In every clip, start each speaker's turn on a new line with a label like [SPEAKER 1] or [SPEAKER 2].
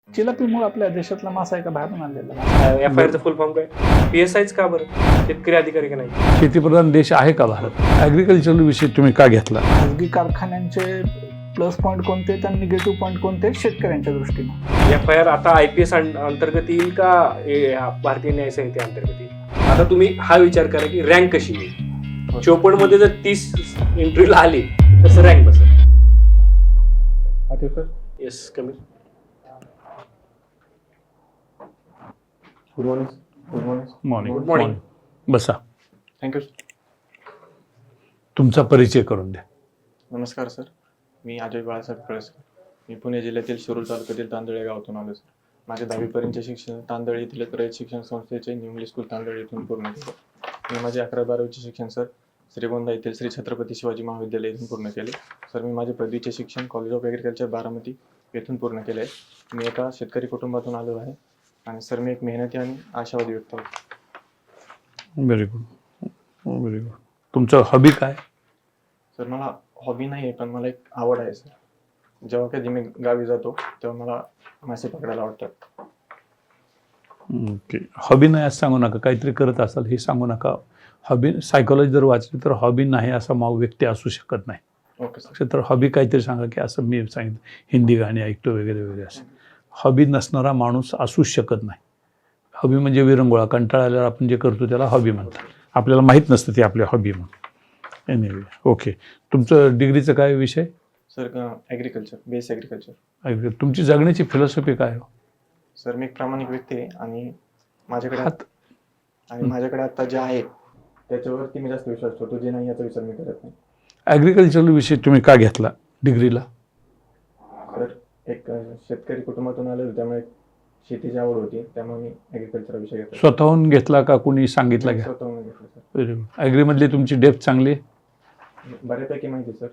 [SPEAKER 1] चिलापीमुळे आपल्या देशातला मासा आहे का बाहेरून आणलेला?
[SPEAKER 2] एफ-आय-आरचं फुल फॉर्म काय? PSIच का बरं? शेतकरी अधिकारी का नाही?
[SPEAKER 3] शेतीप्रधान देश आहे का भारत? ॲग्रिकल्चर विषय तुम्ही का घेतला?
[SPEAKER 1] खाजगी कारखान्यांचे प्लस पॉईंट कोणते आणि निगेटिव्ह पॉईंट कोणते शेतकऱ्यांच्या दृष्टीने?
[SPEAKER 2] एफ-आय-आर आता IPS अंतर्गत येईल का भारतीय न्याय संहिते अंतर्गत येईल? आता तुम्ही हा विचार करा की रँक कशी येईल. 54 मध्ये जर 30 इंटरव्ह्यूला आली तर रँक बसेल. Yes come in.
[SPEAKER 4] Good morning.
[SPEAKER 3] Morning.
[SPEAKER 2] Good morning.
[SPEAKER 3] बसा.
[SPEAKER 4] थँक्यू.
[SPEAKER 3] तुमचा परिचय करून द्या.
[SPEAKER 4] नमस्कार सर, मी अजय बाळासाहेब कळसकर. मी पुणे जिल्ह्यातील शिरूर तालुक्यातील तांदळ या गावातून आलो सर. माझे 10वीपर्यंतचे शिक्षण तांदळ येथील रयत शिक्षण संस्थेचे न्यू इंग्लिश स्कूल तांदळ येथून पूर्ण केले. मी माझे 11-12वीचे शिक्षण सर श्रीगोंदा येथील श्री छत्रपती शिवाजी महाविद्यालय येथून पूर्ण केले. सर मी माझे पदवीचे शिक्षण कॉलेज ऑफ ॲग्रिकल्चर बारामती येथून पूर्ण केले आहे. मी एका शेतकरी कुटुंबातून आलो आहे आणि सर मी एक मेहनती आणि आशावादी व्यक्ती आहे.
[SPEAKER 3] Very good, very good. तुमचं हॉबी काय?
[SPEAKER 4] सर मला हॉबी नाही आहे, पण मला एक आवड आहे सर. जेव्हा कधी मी गावी जातो तेव्हा मला मासे पकडायला आवडतात.
[SPEAKER 3] ओके. हॉबी नाही असं सांगू नका, काहीतरी करत असाल हे सांगू नका. हॉबी सायकोलॉजी जर वाचली तर हॉबी नाही असा व्यक्ती असू शकत नाही.
[SPEAKER 4] Okay sir.
[SPEAKER 3] तर हॉबी काहीतरी सांगा की असं मी सांगितलं हिंदी गाणी ऐकतो वगैरे वगैरे असं. हॉबी नसणारा माणूस असूच शकत नाही. हॉबी म्हणजे विरंगुळा, कंटाळा आल्यावर आपण जे करतो त्याला हॉबी म्हणतात. आपल्याला माहीत नसतं ते आपली हॉबी म्हणून. Anyway okay. तुमचं डिग्रीचं काय विषय?
[SPEAKER 4] Sir agriculture, base agriculture.
[SPEAKER 3] तुमची जगण्याची फिलॉसॉफी काय हो?
[SPEAKER 4] सर मी एक प्रामाणिक व्यक्ती आहे आणि माझ्याकडे
[SPEAKER 3] हात
[SPEAKER 4] माझ्याकडे आता जे आहे त्याच्यावरती मी जास्त विश्वास ठेवतो, जे नाही याचा विचार मी करत नाही.
[SPEAKER 3] ॲग्रिकल्चर विषय तुम्ही का घेतला डिग्रीला?
[SPEAKER 4] सर एक शेतकरी कुटुंबातून आलो होतो, त्यामुळे शेतीची आवड होती, त्यामुळे मी ॲग्रिकल्चर विषय घेतला.
[SPEAKER 3] स्वतःहून घेतला का कुणी सांगितलं घ्या?
[SPEAKER 4] स्वतःहून घेतलं सर.
[SPEAKER 3] Very good. ॲग्रीमधली तुमची डेप्थ चांगली आहे?
[SPEAKER 4] बऱ्यापैकी माहिती सर.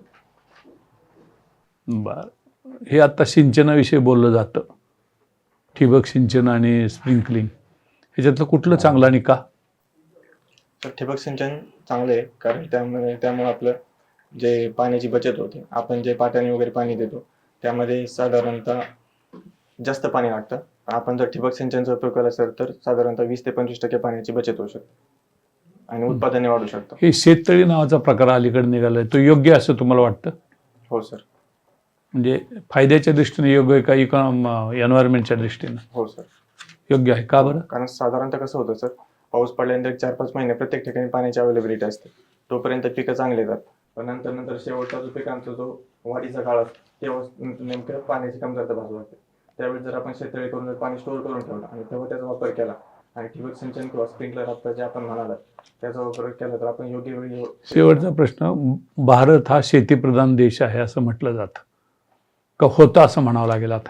[SPEAKER 3] बरं. हे आत्ता सिंचनाविषयी बोललं जातं, ठिबक सिंचन आणि स्प्रिंकलिंग. ह्याच्यातलं कुठलं चांगलं आणि का?
[SPEAKER 4] तर ठिबक सिंचन चांगले आहे, कारण त्यामुळे आपलं जे पाण्याची बचत होते. आपण जे पाट्याने वगैरे पाणी देतो त्यामध्ये साधारणतः जास्त पाणी लागतं. आपण जर ठिबक सिंचनचा उपयोग केला सर तर साधारणतः 20 ते 25% पाण्याची बचत होऊ शकते आणि उत्पादने वाढू शकतं.
[SPEAKER 3] हे शेततळी नावाचा प्रकार अलीकडे निघालाय, तो योग्य असं तुम्हाला वाटतं?
[SPEAKER 4] हो सर.
[SPEAKER 3] म्हणजे फायद्याच्या दृष्टीने योग्य आहे का एन्व्हायरमेंटच्या दृष्टीने?
[SPEAKER 4] हो सर.
[SPEAKER 3] योग्य आहे का बरं?
[SPEAKER 4] कारण साधारणतः कसं होतं सर, पाऊस पडल्यानंतर 4-5 महिने प्रत्येक ठिकाणी पाण्याची अवेलेबिलिटी असते. तोपर्यंत पिकं चांगले येतात, पण नंतर शेवटचा जो पिकांचा जो वाढीचा काळ असतो तेव्हा नेमकं पाण्याची कमतरता भासू लागते. त्यावेळी जर आपण शेततळी करून पाणी स्टोअर करून ठेवलं आणि तेव्हा त्याचा वापर केला आणि ठिबक सिंचन किंवा स्प्रिंकलर आता जे आपण म्हणाला त्याचा वापर केला तर आपण योग्य वेळी.
[SPEAKER 3] शेवटचा प्रश्न, भारत हा शेतीप्रधान देश आहे असं म्हटलं जातं का होता असं म्हणावं लागेल आता?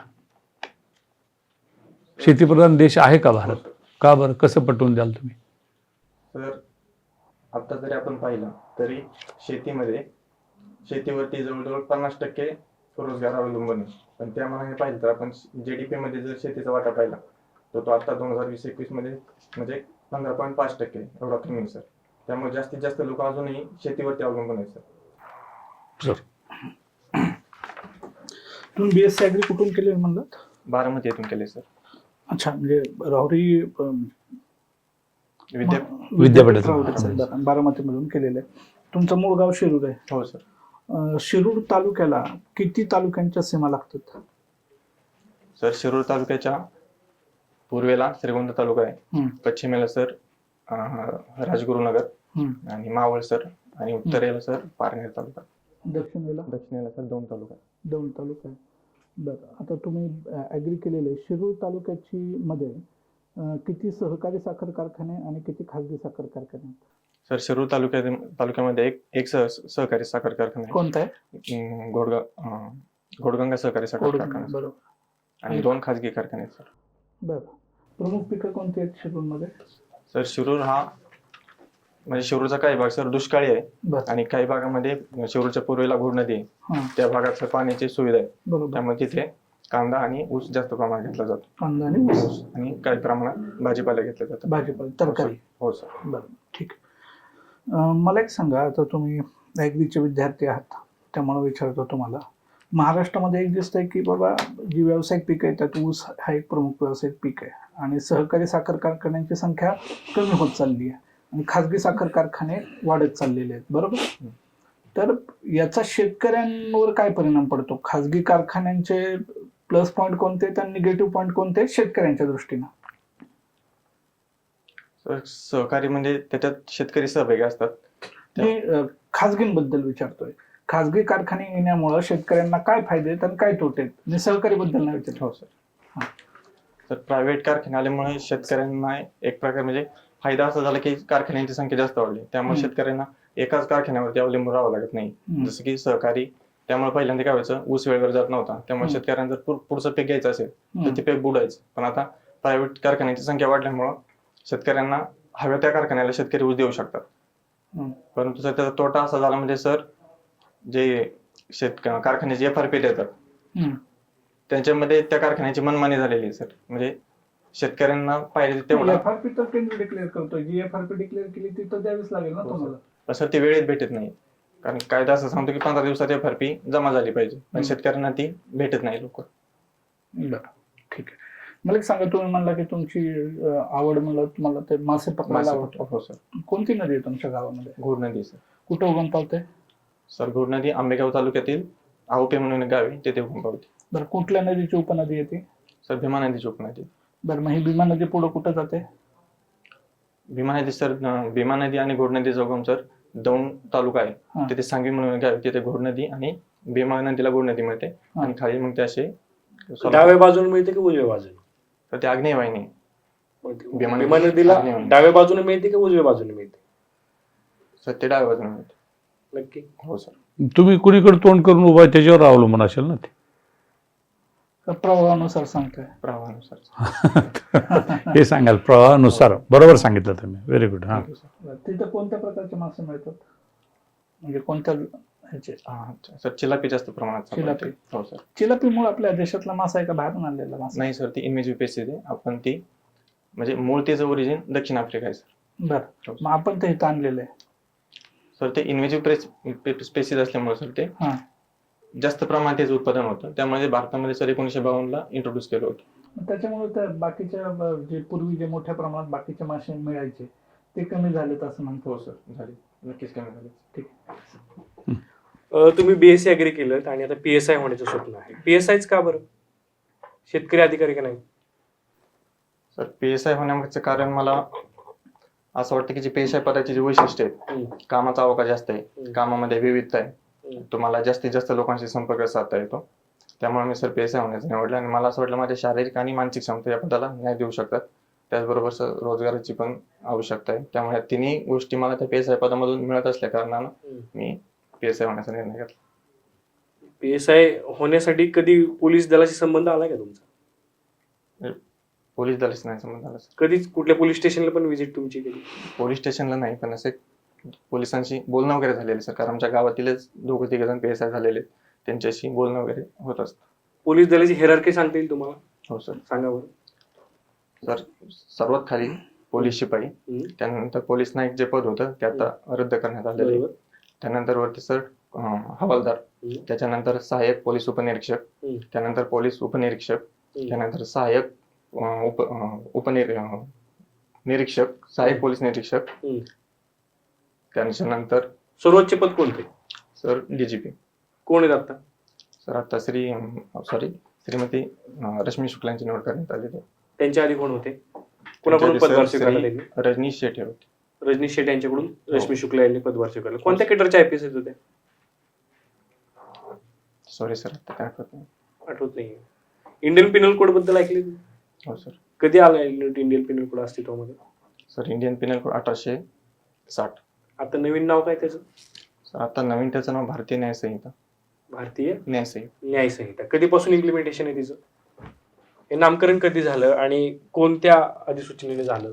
[SPEAKER 3] शेतीप्रधान देश आहे का भारत? का बरं? कसं पटवून द्याल तुम्ही?
[SPEAKER 4] तर आता जरी आपण पाहिलं तरी शेतीवरती जवळजवळ 50% रोजगार अवलंबून आहे. पण त्या मनाने पाहिलं तर आपण GDP मध्ये जर शेतीचा वाटा पाहिला तर तो आता 2020-21 मध्ये म्हणजे 15.5% एवढा कमी आहे सर. त्यामुळे जास्तीत जास्त लोक अजूनही शेतीवरती अवलंबून आहेत सर.
[SPEAKER 1] तुम्ही BSc ॲग्री कुठून केले म्हणलं?
[SPEAKER 4] बारामती येथून केले सर.
[SPEAKER 1] अच्छा, म्हणजे राहुरी
[SPEAKER 3] विद्यापीठातून.
[SPEAKER 1] बारामतीमधून केलेलं आहे. तुमचं मूळ गाव शिरूर आहे?
[SPEAKER 4] हो सर.
[SPEAKER 1] शिरूर तालुक्याला किती तालुक्यांच्या सीमा लागतात?
[SPEAKER 4] सर शिरूर तालुक्याच्या पूर्वेला श्रीगोंदा तालुका आहे, पश्चिमेला सर राजगुरुनगर आणि मावळ सर, आणि उत्तरेला सर पारनेर तालुका. दक्षिणेला सर दौंड तालुका आहे.
[SPEAKER 1] बरं, आता तुम्ही ॲग्री केलेलं आहे. शिरूर तालुक्याची मध्ये किती सहकारी साखर कारखाने आणि किती खाजगी साखर कारखाने आहेत?
[SPEAKER 4] सर शिरूर तालुक्यामध्ये एक सहकारी साखर कारखाना आहे.
[SPEAKER 1] कोणता आहे?
[SPEAKER 4] घोडगंगा सहकारी साखर कारखाना.
[SPEAKER 1] बरोबर.
[SPEAKER 4] आणि 2 खाजगी कारखाने आहेत सर.
[SPEAKER 1] बरं. प्रमुख पिकं कोणती आहेत शिरूरमध्ये?
[SPEAKER 4] सर शिरूर हा म्हणजे शिरूरचा काही भाग सर दुष्काळी आहे आणि काही भागामध्ये शिरूरच्या पूर्वेला घोड नदी आहे, त्या भागात पाण्याची सुविधा आहे.
[SPEAKER 1] बरोबर.
[SPEAKER 4] त्यामुळे तिथे कांदा आणि ऊस जास्त प्रमाणात घेतला जातो.
[SPEAKER 1] कांदा आणि ऊस
[SPEAKER 4] आणि काही प्रमाणात भाजीपाला घेतला जातो.
[SPEAKER 1] भाजीपाला, तरकारी.
[SPEAKER 4] हो सर.
[SPEAKER 1] बरं, ठीक. मला एक सांगा, आता तुम्ही ॲग्रीचे विद्यार्थी आहात त्यामुळे विचारतो तुम्हाला, महाराष्ट्रामध्ये एक दिसतंय की बाबा जी व्यावसायिक पिकं आहेत त्यात ऊस हा एक प्रमुख व्यावसायिक पीक आहे आणि सहकारी साखर कारखान्यांची संख्या कमी होत चालली आहे आणि खाजगी साखर कारखाने वाढत चाललेले आहेत, बरोबर? तर याचा शेतकऱ्यांवर काय परिणाम पडतो? खाजगी कारखान्यांचे प्लस पॉईंट कोणते आणि निगेटिव्ह पॉईंट कोणते आहेत शेतकऱ्यांच्या दृष्टीनं?
[SPEAKER 4] तर सहकारी म्हणजे त्याच्यात शेतकरी सहभागी असतात.
[SPEAKER 1] मी खाजगींबद्दल विचारतोय. खाजगी कारखाने येण्यामुळे शेतकऱ्यांना काय फायदे आहेत आणि काय तोटे आहेत? मी सहकारी बद्दल नाही विचारतो.
[SPEAKER 4] हो सर. तर प्रायव्हेट कारखाने आल्यामुळे शेतकऱ्यांना एक प्रकार म्हणजे फायदा असा झाला की कारखान्यांची संख्या जास्त वाढली, त्यामुळे शेतकऱ्यांना एकाच कारखान्यावरती अवलंबून राहावं लागत नाही. जसं की सहकारी, त्यामुळे पहिल्यांदा काय व्हायचं, ऊस वेळेवर जात नव्हता, त्यामुळे शेतकऱ्यांना जर पुढचं पीक घ्यायचं असेल तर ते पीक बुडायचं. पण आता प्रायव्हेट कारखान्यांची संख्या वाढल्यामुळं शेतकऱ्यांना हव्या त्या कारखान्याला शेतकरी ऊस देऊ शकतात. परंतु सर त्याचा तोटा असा झाला म्हणजे सर, जे कारखान्याचे FRP देतात त्यांच्यामध्ये त्या कारखान्याची मनमानी झालेली आहे सर. म्हणजे शेतकऱ्यांना पाहिजे तेवढा
[SPEAKER 1] FRP तर केंद्र डिक्लेअर करतोय, जी FRP डिक्लेअर केली ती तर द्यावीच लागेल ना तुम्हाला.
[SPEAKER 4] सर ते वेळेत भेटत नाही, कारण कायदा असं सांगतो की 15 दिवसात FRP जमा झाली पाहिजे, पण शेतकऱ्यांना ती भेटत नाही लवकर.
[SPEAKER 1] बरं, ठीक आहे. मला एक सांगा, तुम्ही म्हणला की तुमची आवड म्हणलं तुम्हाला ते मासे पकडायला आवडतं.
[SPEAKER 4] हो सर.
[SPEAKER 1] कोणती नदी आहे तुमच्या गावामध्ये?
[SPEAKER 4] घोड नदी सर.
[SPEAKER 1] कुठं उगम पावते?
[SPEAKER 4] सर घोड नदी आंबेगाव तालुक्यातील आहोपे म्हणून एक गाव आहे, तेथे उगम पावते.
[SPEAKER 1] बरं, कुठल्या नदीची उपनदी येते?
[SPEAKER 4] सर भीमा नदीची उपनदी.
[SPEAKER 1] बरं, मग ही भीमा नदी पुढे कुठं जाते?
[SPEAKER 4] भीमा नदी सर, भीमा नदी आणि घोड नदीचा उगम सर दौंड तालुका आहे, तिथे सांगवी म्हणून एक गाव आहे, तिथे घोड नदी आणि भीमा नदीला घोड नदी मिळते आणि खाली मग ते असे
[SPEAKER 2] डाव्या बाजूने मिळते की उजव्या बाजूने?
[SPEAKER 4] तर ते आग्नेय वाहिनी.
[SPEAKER 2] भीमा नदीला डाव्या बाजूने मिळते की उजव्या बाजूने मिळते?
[SPEAKER 4] सर ते डाव्या बाजूने मिळते.
[SPEAKER 2] नक्की?
[SPEAKER 4] हो सर.
[SPEAKER 3] तुम्ही कुणीकडे तोंड करून उभा आहे त्याच्यावर अवलंबून असेल ना ते.
[SPEAKER 1] प्रवाहानुसार सांगतोय.
[SPEAKER 4] प्रवाहानुसार.
[SPEAKER 3] हे सांगाल प्रवाहानुसार. बरोबर सांगितलं तुम्ही. Very good. हा,
[SPEAKER 1] तिथं कोणत्या प्रकारचे मासे मिळतात, म्हणजे कोणत्या ह्याचे?
[SPEAKER 4] सर चिलापी जास्त प्रमाणात
[SPEAKER 1] चिलापी.
[SPEAKER 4] हो सर.
[SPEAKER 1] चिलापी मूळ आपल्या देशातला मासा आहे का बाहेरून आणलेला मासा?
[SPEAKER 4] नाही सर, ती इन्व्हेजिव्ह स्पेसीज आहे. आपण ती म्हणजे मूळ त्याचं ओरिजिन दक्षिण आफ्रिका आहे सर.
[SPEAKER 1] बरं, मग आपण ते इथं आणलेलं आहे.
[SPEAKER 4] सर ते इन्व्हेजिव्ह स्पेसीज असल्यामुळे सर ते जास्त प्रमाणात त्याचं उत्पादन होतं, त्यामुळे भारतामध्ये सर 1952 ला इंट्रोड्यूस केलं होतं.
[SPEAKER 1] त्याच्यामुळे त्या बाकीच्या जे पूर्वी जे मोठ्या प्रमाणात बाकीचे मासे मिळायचे ते कमी झालेत असं म्हणतो.
[SPEAKER 4] हो सर, झाले, नक्कीच कमी झाले.
[SPEAKER 1] ठीक.
[SPEAKER 2] तुम्ही BSc ऍग्री केलं आणि आता PSI होण्याचं स्वप्न आहे. PSIच का बरं? शेतकरी अधिकारी का नाही?
[SPEAKER 4] सर PSI होण्यामागचं कारण मला असं वाटतं की जे PSI पदाची जी वैशिष्ट्य आहेत, कामाचा अवकाश जास्त आहे, कामामध्ये विविधता आहे, तुम्हाला जास्तीत जास्त लोकांशी संपर्क साधता येतो, त्यामुळे मी सर PSI होण्याचं निवडलं. आणि मला असं वाटलं माझ्या शारीरिक आणि मानसिक क्षमता या पदाला न्याय देऊ शकतात, त्याचबरोबर सर रोजगाराची पण आवश्यकता आहे, त्यामुळे तिन्ही गोष्टी मला त्या PSI पदामधून मिळत असल्या कारणानं मी PSI होण्याचा निर्णय घेतला.
[SPEAKER 2] PSI होण्यासाठी कधी पोलीस दलाशी संबंध आलाय का तुमचा?
[SPEAKER 4] पोलीस दलाशी नाही संबंध आला सर.
[SPEAKER 2] कधीच कुठल्या पोलीस स्टेशनला पण व्हिजिट तुमची केली?
[SPEAKER 4] पोलीस स्टेशनला नाही, पण असे पोलिसांशी बोलणं वगैरे झालेलं सर, कारण आमच्या गावातीलच 2-3 जण PSI झालेले, त्यांच्याशी बोलणं वगैरे होत असतं.
[SPEAKER 2] पोलीस दलाची हिरार्की सांगता येईल तुम्हाला?
[SPEAKER 4] हो सर.
[SPEAKER 2] सांगा बरं.
[SPEAKER 4] सर सर्वात खाली पोलीस शिपाई, त्यानंतर पोलीस नाईक जे पद होतं ते आता रद्द करण्यात आलेलं आहे, त्यानंतर वरती सर हवालदार, त्याच्यानंतर सहाय्यक पोलीस उपनिरीक्षक, त्यानंतर पोलीस उपनिरीक्षक, त्यानंतर सहाय्यक निरीक्षक, सहाय्यक पोलीस निरीक्षक, त्यानंतर
[SPEAKER 2] सर्वोच्च पद कोणते?
[SPEAKER 4] Sir DGP.
[SPEAKER 2] कोण आहेत आता?
[SPEAKER 4] सर आता श्रीमती रश्मी शुक्लांची निवड करण्यात आलेली आहे.
[SPEAKER 2] त्यांच्या आधी कोण होते? कुणाकडून पदभार स्वीकारला त्यांनी?
[SPEAKER 4] रजनीश शेट्टी होते.
[SPEAKER 2] रजनीश शेट्टी यांच्याकडून रश्मी शुक्ला यांनी पदभार स्वीकारला. कोणत्या केडरच्या IPS आहेत होत्या?
[SPEAKER 4] सॉरी सर, आता काय आठवत नाही.
[SPEAKER 2] आठवत नाही. इंडियन पिनल कोड बद्दल ऐकले?
[SPEAKER 4] हो सर.
[SPEAKER 2] कधी आला इंडियन पिनल कोड अस्तित्वामध्ये?
[SPEAKER 4] Sir Indian penal code 1860.
[SPEAKER 2] आता नवीन नाव काय त्याचं?
[SPEAKER 4] सर आता नवीन त्याचं नाव भारतीय न्याय संहिता.
[SPEAKER 2] भारतीय
[SPEAKER 4] न्याय संहिता.
[SPEAKER 2] न्याय संहिता. कधीपासून इम्प्लिमेंटेशन आहे तिचं? हे नामकरण कधी झालं आणि कोणत्या अधिसूचनेने झालं?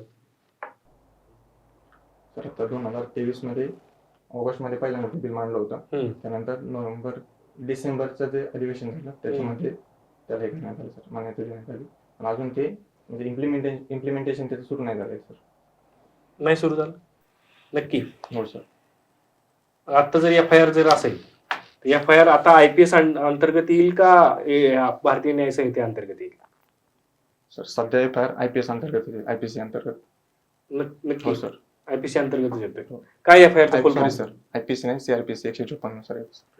[SPEAKER 4] तर आता 2023 मध्ये ऑगस्ट मध्ये पहिल्यांदा बिल मांडलं होतं, त्यानंतर डिसेंबरचं जे अधिवेशन झालं त्याच्यामध्ये त्याला हे करण्यात आलं सर, मान्यता देण्यात आली, पण अजून ते म्हणजे इम्प्लिमेंटेशन त्याचं सुरू नाही झालंय सर.
[SPEAKER 2] नाही सुरू झालं? नक्की?
[SPEAKER 4] हो सर.
[SPEAKER 2] आता जर FIR जर असेल FIR आता IPS अंतर्गत येईल का भारतीय न्याय संहिते अंतर्गत येईल?
[SPEAKER 4] सर सध्या FIR IPS अंतर्गत येते, IPC अंतर्गत.
[SPEAKER 2] नक्की
[SPEAKER 4] हो सर.
[SPEAKER 2] IPC अंतर्गत येतोय.
[SPEAKER 4] हो.
[SPEAKER 2] काय FIR चा फुल
[SPEAKER 4] सॉरी सर, IPC नाही, CRPC 154 सर.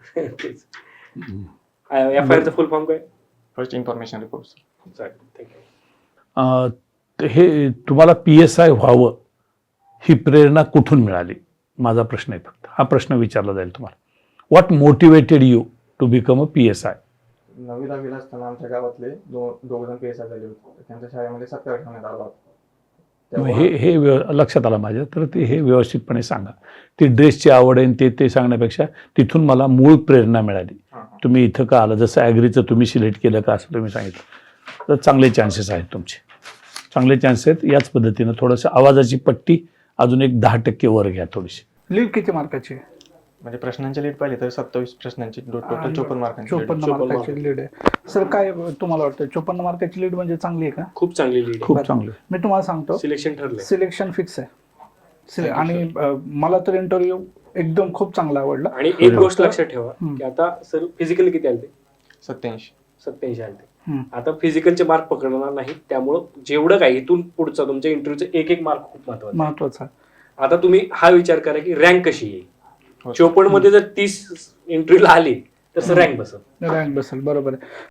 [SPEAKER 2] FIR चा फुल फॉर्म काय?
[SPEAKER 4] First information report sir.
[SPEAKER 2] चालेल, थँक्यू.
[SPEAKER 3] हे तुम्हाला PSI व्हावं ही प्रेरणा कुठून मिळाली? माझा प्रश्न आहे फक्त. हा प्रश्न विचारला जाईल तुम्हाला. What motivated you to become a PSI?
[SPEAKER 4] 9वी-10वीला असताना आमच्या गावातले दोघ जण PSI झाले होते. त्यांच्या शाळेमध्ये सत्कार ठेवण्यात आला होता.
[SPEAKER 3] लक्षात आलं माझ्या. तर ते हे व्यवस्थितपणे सांगा. ती ड्रेसची आवड आहे ते सांगण्यापेक्षा तिथून मला मूळ प्रेरणा मिळाली. तुम्ही इथं का आलं, जसं ॲग्रीचं तुम्ही सिलेक्ट केलं का असं तुम्ही सांगितलं, तर चांगले चान्सेस आहेत तुमचे, चांगले चान्सेस आहेत. याच पद्धतीनं थोडंसं आवाजाची पट्टी अजून एक 10% वर घ्या थोडीशी.
[SPEAKER 1] लीड किती मार्काची?
[SPEAKER 4] म्हणजे प्रश्नांची लीड पाहिली तर 27 प्रश्नांची टोटल 54 मार्कांची.
[SPEAKER 1] 54 मार्काची लीड आहे. सर काय तुम्हाला वाटतं 54 मार्काची लीड म्हणजे चांगली आहे का?
[SPEAKER 2] खूप चांगली लीड,
[SPEAKER 3] खूप चांगले.
[SPEAKER 1] मी तुम्हाला सांगतो,
[SPEAKER 2] सिलेक्शन ठरलंय.
[SPEAKER 1] सिलेक्शन फिक्स आहे. आणि मला तर इंटरव्ह्यू एकदम खूप चांगला आवडला.
[SPEAKER 2] आणि एक गोष्ट लक्षात ठेवा की आता सर फिजिकल किती आले?
[SPEAKER 4] 87
[SPEAKER 2] आले. आता फिजिकलचे मार्क पकडणार नाही, त्यामुळं जेवढं काही इथून पुढचा तुमच्या इंटरव्ह्यूचा एक मार्क खूप
[SPEAKER 1] महत्वाचा.
[SPEAKER 2] आता तुम्ही हा विचार करा की रँक कशी येईल.
[SPEAKER 4] हो.
[SPEAKER 2] 54 मध्ये जर 30 इंटरव्ह्यूला आली तर रँक बसेल.
[SPEAKER 1] रँक बसेल, बरोबर आहे.